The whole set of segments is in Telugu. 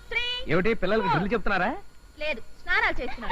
ఏమిటి పిల్లలకి డ్రిల్ చెప్తున్నారా? లేదు, స్నానాలు చేస్తున్నారు.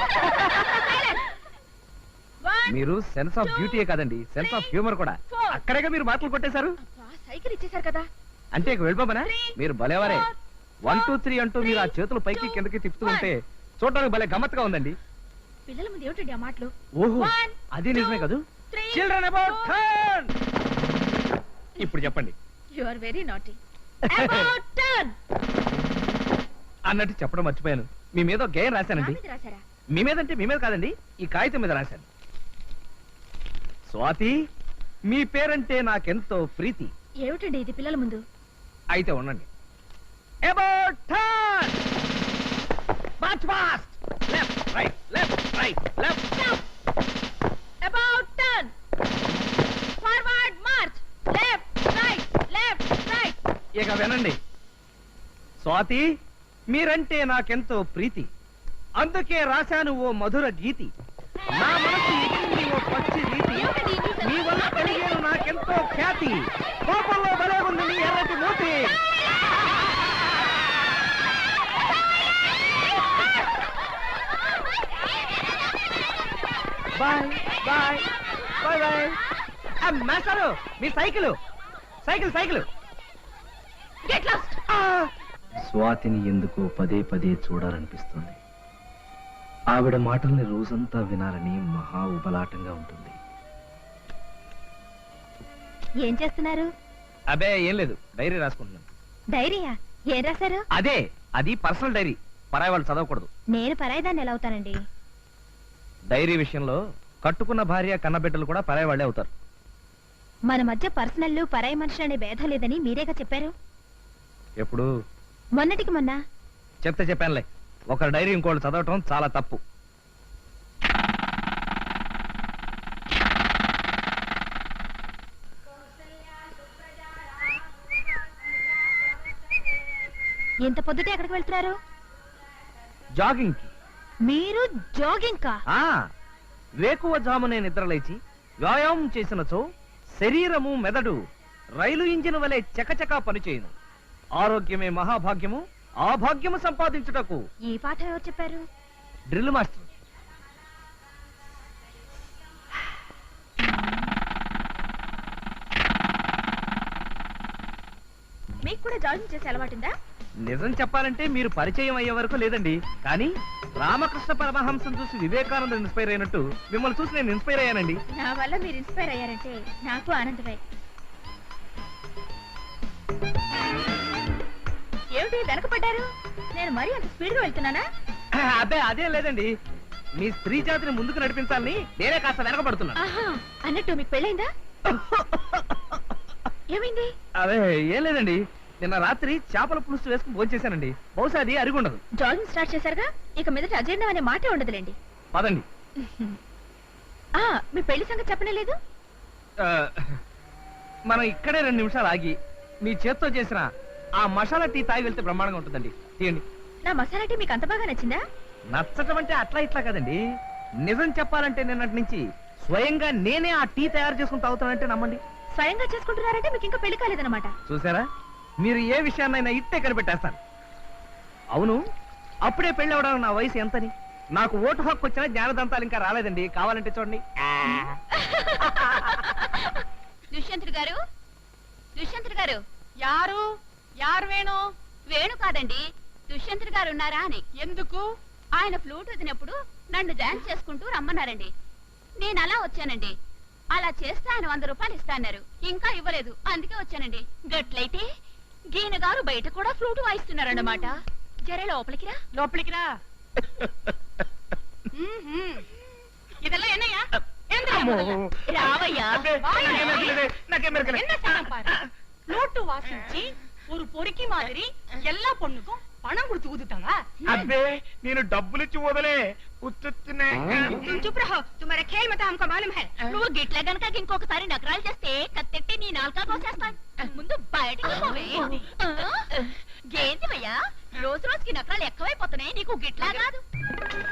మీరు సెన్స్ ఆఫ్ బ్యూటీయే కాదండి, సెన్స్ ఆఫ్ హ్యూమర్ కూడా. అక్కడేగా మీరు మాటలు కొట్టేశారు. సైకిల్ ఇచ్చేసారు కదా. అంటే ఇక వెళ్ళిపోమనా? మీరు భలేవారే. 1 2 3 అంటూ మీరు ఆ చేతులు పైకి కిందకి తిప్పుతూ ఉంటే చూడడానికి భలే గమ్మత్తుగా ఉందండి. పిల్లల ముందు ఏమిటండి ఆ మాటలు? ఓహో, అది నిజమే కదూ. Children about turn. ఇప్పుడు చెప్పండి. You are very naughty. About turn అన్నట్టు చెప్పడం మర్చిపోయాను. మీ మీద ఒక గేయం రాశానండి. రాశారా? మీ మీద అంటే మీ మీద కాదండి, ఈ కాగితం మీద రాశాను. స్వాతి, మీ పేరంటే నాకెంతో ప్రీతి. ఏమిటండి ఇది పిల్లల ముందు? అయితే ఉండండి. About turn. March fast. Left right left right left. About turn. Forward march. Left right left right. ఇక వినండి. స్వాతి, మీరంటే నాకెంతో ప్రీతి, అందుకే రాశాను ఓ మధుర గీతి. నా మనసు ఎక్కింది ఓ పచ్చి రీతి, మీ వల్ల కలిగేను నాకెంతో ఖ్యాతి. కోపంలో భలే ఉంది మీ ఎర్రటి మూతి. Bye bye bye bye. మాస్టారు, మీ cycle cycle cycle. Get lost. స్వాతిని ఎందుకో పదే పదే చూడాలనిపిస్తుంది. ఆవిడ మాటల్ని రోజంతా వినాలని మహా ఉబలాటంగా ఉంటుంది. ఏం చేస్తున్నారు? అబే ఏం లేదు, డైరీ రాసుకుంటున్నాను. డైరీయా? ఏం రాశారు? అదే, అది పర్సనల్ డైరీ, పరాయి వాళ్ళు చదవకూడదు. నేను పరాయిదాన్ని ఎలా అవుతానండి? డైరీ విషయంలో కట్టుకున్న భార్య కన్నబిడ్డలు కూడా పరాయి వాళ్ళే అవుతారు. మన మధ్య పర్సనల్ పరాయి మనుషులు అనే భేదం లేదని మీరేగా చెప్పారు. ఎప్పుడు? మొన్నటికి మొన్న. చెప్తే చెప్పానులే, ఒకరి డైరీ ఇంకోళ్ళు చదవటం చాలా తప్పు. ఎంత పొద్దుటే ఎక్కడికి వెళ్తున్నారు? జాగింగ్ కి. మీరు జాగింగ్ కా? వేకువ జామునే నిద్రలేచి వ్యాయామం చేసినచో శరీరము మెదడు రైలు ఇంజిన్ వలె చకచకా పనిచేయును. ఆరోగ్యమే మహాభాగ్యము, ఆ భాగ్యము సంపాదించుటకు. ఈ పాఠం ఎవరు చెప్పారు? Drill master. మీకు కూడా జాగింగ్ చేసే అలవాటుందా? నిజం చెప్పాలంటే మీరు పరిచయం అయ్యే వరకు లేదండి, కానీ రామకృష్ణ పరమహంసం చూసి వివేకానంద ఇన్స్పైర్ అయినట్టు మిమ్మల్ని చూసి నేను ఇన్స్పైర్ అయ్యానండి. నా వల్ల మీరు ఇన్స్పైర్ అయ్యారంటే నాకు ఆనందమే. ఏమిటి వెనకపడ్డారు? నేను మరీ అంత స్పీడ్ గా వెళ్తున్నానా? అదే అదే లేదండి, మీ స్త్రీ జాతిని ముందుకు నడిపించాలని నేనే కాస్త వెనకబడుతున్నా. అన్నట్టు మీకు పెళ్ళైందా? ఏమైంది? అదే ఏం లేదండి, నిన్న రాత్రి చేపల పులుసు వేసుకుని భోంచేశానండి. బహుశా అది అరిగుండదు. జాగింగ్ స్టార్ట్ చేశారుగా, ఇక మీదట అజీర్ణం అనే మాటే ఉండదులేండి. పదండి. మీ పెళ్లి సంగతి చెప్పనే లేదు. మనం ఇక్కడే 2 నిమిషాలు ఆగి మీ చేత్తో చేసిన ఆ మసాలా టీ తాగి వెళ్తే బ్రహ్మాండంగా ఉంటుందండి. తీయండి. నా మసాలా టీ మీకు అంత బాగా నచ్చిందా? నచ్చటం అంటే అట్లా ఇట్లా కదండి, నిజం చెప్పాలంటే నిన్నటి నుంచి స్వయంగా నేనే ఆ టీ తయారు చేసుకుని తాగుతానంటే నమ్మండి. స్వయంగా చేసుకుంటున్నారంటే మీకు ఇంకా పెళ్లి కాలేదన్నమాట. చూసారా, మీరు ఏ విషయాన్నైనా ఇట్టే కనిపెట్టేస్తాను. అవును, అప్పుడే పెళ్లి అవడానికి నా వయసు ఎంతని? నాకు ఓటు హక్కు వచ్చిన జ్ఞానదంతాలు ఇంకా రాలేదండి, కావాలంటే చూడండి. దుష్యంతుడు గారు, దుష్యంతుడు గారు. యారు? యారు వేణు? వేణు కాదండి, దుష్యంతుడు గారు ఉన్నారా అని. ఎందుకు? ఆయన ఫ్లూట్ వదినప్పుడు నన్ను డాన్స్ చేసుకుంటూ రమ్మన్నారండి. నేను అలా వచ్చానండి. అలా చేస్తే ఆయన 100 రూపాయలు ఇస్తాన్నారు, ఇంకా ఇవ్వలేదు, అందుకే వచ్చానండి. గట్లయితే గీన గారు బయట కూడా ఫ్లూట్ వాయిస్తున్నారన్నమాట. జరే లోపలికి రా. లోపలికి రా. இதெல்லாம் என்னையா? రావయ్యా. நோட்டு வாசிச்சு ஒரு பொறுக்கி மாதிரி எல்லா பொண்ணுக்கும் பணம் கொடுத்து ஊதுட்டாங்க. అబ్బే, నేను డబ్బులు ఇచ్చి వదలే ఉత్తునే. चुप रहो, तुम्हारा खेल मत हमको मालूम है. నువ్వు గిట్ల గనక ఇంకొకసారి నగరాలు చేస్తే కత్తెట్టి నీ నాలుక కోసేస్తాను. ముందు బయటకు పోవే. గేందివయ్యా, రోజు రోజుకి నగరాలు ఎక్కువైపోతున్నాయి, నీకు గిట్లా కాదు.